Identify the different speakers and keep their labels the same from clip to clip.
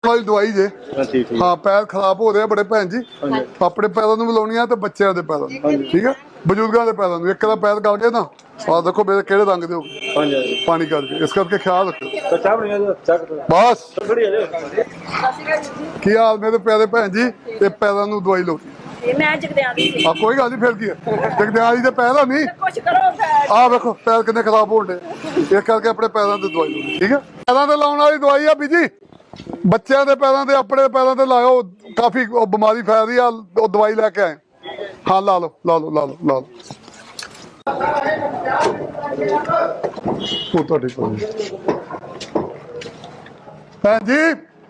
Speaker 1: ਵਾਲੀ ਦਵਾਈ ਜੇ। ਹਾਂ ਪੈਰ ਖਰਾਬ ਹੋ ਰਹੇ ਬੜੇ ਭੈਣ ਜੀ, ਆਪਣੇ ਪੈਰਾਂ ਨੂੰ ਵੀ ਲਾਉਣੀ ਆ ਤੇ ਬੱਚਿਆਂ ਦੇ ਪੈਰਾਂ ਨੂੰ, ਠੀਕ ਹੈ, ਬਜ਼ੁਰਗਾਂ ਦੇ ਪੈਰਾਂ ਨੂੰ। ਇੱਕ ਦਾ ਪੈਰ ਗਲ ਗਿਆ ਨਾ, ਆਹ ਦੇਖੋ ਮੇਰੇ ਕਿਹੜੇ ਰੰਗ ਦੇ ਹੋ ਗਏ ਪਾਣੀ ਕਰਕੇ, ਇਸ ਕਰਕੇ ਖਿਆਲ ਰੱਖੋ ਬਸ। ਕੀ ਹਾਲ ਮੇਰੇ ਪਿਆਰੇ ਭੈਣ ਜੀ, ਇਹ ਪੈਰਾਂ ਨੂੰ ਦਵਾਈ ਲਾਉਣੀ
Speaker 2: ਮੈਂ ਜਗਦਿਆਂ ਦੀ ਸੀ।
Speaker 1: ਕੋਈ ਗੱਲ ਨਹੀਂ, ਫਿਰ ਕੀ ਹੈ, ਜਗਦਿਆਂ ਦੀ ਤੇ ਪੈਰ ਆ ਨਹੀਂ,
Speaker 2: ਕੁਛ ਕਰੋ
Speaker 1: ਆਹ ਵੇਖੋ ਪੈਰ ਕਿੰਨੇ ਖਰਾਬ ਹੋਣ ਡੇ, ਇਸ ਕਰਕੇ ਆਪਣੇ ਪੈਰਾਂ ਤੇ ਦਵਾਈ ਲਾਉਣੀ, ਠੀਕ ਹੈ। ਪੈਰਾਂ ਤੇ ਲਾਉਣ ਵਾਲੀ ਦਵਾਈ ਆ ਬੀਜੀ, ਬੱਚਿਆਂ ਦੇ ਪੈਰਾਂ ਤੇ ਆਪਣੇ ਪੈਰਾਂ ਤੇ ਲਾਓ, ਕਾਫੀ ਬਿਮਾਰੀ ਫੈਲਦੀ ਆ, ਉਹ ਦਵਾਈ ਲੈ ਕੇ ਆਏ। ਹਾਂ ਲਾ ਲਓ ਲਾ ਲਓ ਲਾ ਲਓ ਲਾ ਲਓ, ਉਹ ਤੁਹਾਡੇ ਕੋਲ ਭੈਣ ਜੀ।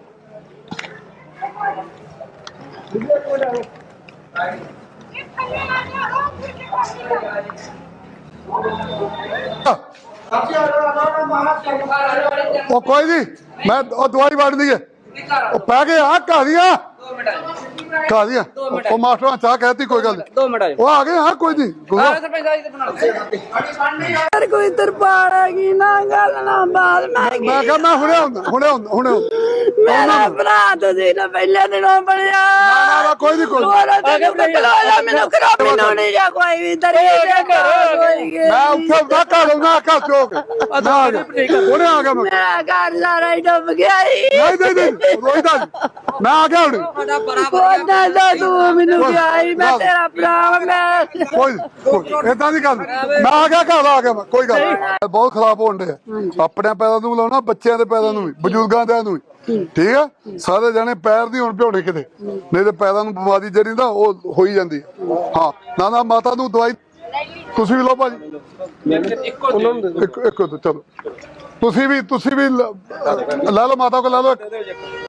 Speaker 1: ਉਹ ਕੋਈ ਨਹੀਂ, ਮੈਂ ਉਹ ਦਵਾਈ ਵੜਨੀ ਹੈ, ਉਹ ਪੈ ਗਏ ਆ ਘਾਰੀਆਂ ਘਾਰੀਆਂ, ਉਹ ਮਾਸਟਰਾਂ ਚਾਹ ਕਹਿਤੀ ਕੋਈ ਗੱਲ ਨਹੀਂ, ਉਹ ਆ ਗਏ ਹਾਂ ਕੋਈ ਨਹੀਂ।
Speaker 2: ਕੋਈ ਦਰਬਾਰ ਹੈਗੀ ਨਾ ਗੱਲ ਨਾ ਬਾਤ
Speaker 1: ਮੈਂ ਕਿਹਾ ਮੈਂ ਹੁਣੇ ਆਉਂਦਾ ਹੁਣੇ ਆਉਂਦਾ ਹੁਣੇ ਆਉਂਦਾ।
Speaker 2: ਮੇਰਾ ਭਰਾ ਤੁਸੀਂ ਨਾ ਪਹਿਲੇ ਦਿਨੋਂ ਬਣਿਆ
Speaker 1: ਨਾ ਕੋਈ ਨਹੀਂ ਕੋਈ
Speaker 2: ਮੈਨੂੰ ਖਰਾਬੀ ਨਹੀਂ ਜਾਂ ਕੋਈ ਵੀ ਤਰੀ
Speaker 1: ਮੈਂ ਉੱਥੇ ਨਾ ਘਰ ਨਾ ਘਰ ਚੋਕ ਹੁਣੇ ਆ ਗਿਆ ਮੈਂ।
Speaker 2: ਮੇਰਾ ਘਰ ਸਾਰਾ ਹੀ ਡੁੱਬ ਗਿਆ
Speaker 1: ਨਹੀਂ ਨਹੀਂ ਨਹੀਂ ਰੋਈਦਾ ਮੈਂ ਆ ਗਿਆ ਹੁਣ।
Speaker 2: ਉਹਦਾ ਦਾ ਤੂੰ ਮੈਨੂੰ ਕਿਹਾ ਮੈਂ ਤੇਰਾ ਭਰਾ ਮੈਂ
Speaker 1: ਕੋਈ ਏਦਾਂ ਦੀ ਗੱਲ ਮੈਂ ਆ ਗਿਆ ਘਰ ਆ ਗਿਆ ਮੈਂ, ਕੋਈ ਗੱਲ ਨਹੀਂ। ਬਹੁਤ ਖਰਾਬ ਹੋਣ ਡੇ, ਆਪਣੇ ਪੈਰਾਂ ਨੂੰ ਲਾਉਣਾ, ਬੱਚਿਆਂ ਦੇ ਪੈਰਾਂ ਨੂੰ ਵੀ, ਬਜ਼ੁਰਗਾਂ ਦੇ ਨੂੰ ਵੀ, ਠੀਕ ਆ। ਸਾਰੇ ਜਣੇ ਪੈਰ ਦੀ ਹੁਣ ਭਿਉਣੇ ਕਿਤੇ, ਨਹੀਂ ਤੇ ਪੈਰਾਂ ਨੂੰ ਬਿਮਾਰੀ ਜਿਹੜੀ ਨਾ ਉਹ ਹੋਈ ਜਾਂਦੀ। ਹਾਂ ਨਾ ਨਾ ਮਾਤਾ ਨੂੰ ਦਵਾਈ ਤੁਸੀਂ ਵੀ ਲਓ ਭਾਜੀ, ਇੱਕ ਚਲੋ ਤੁਸੀਂ ਵੀ ਲੈ ਲਓ ਮਾਤਾ ਕੋਲ ਲੈ ਲਓ।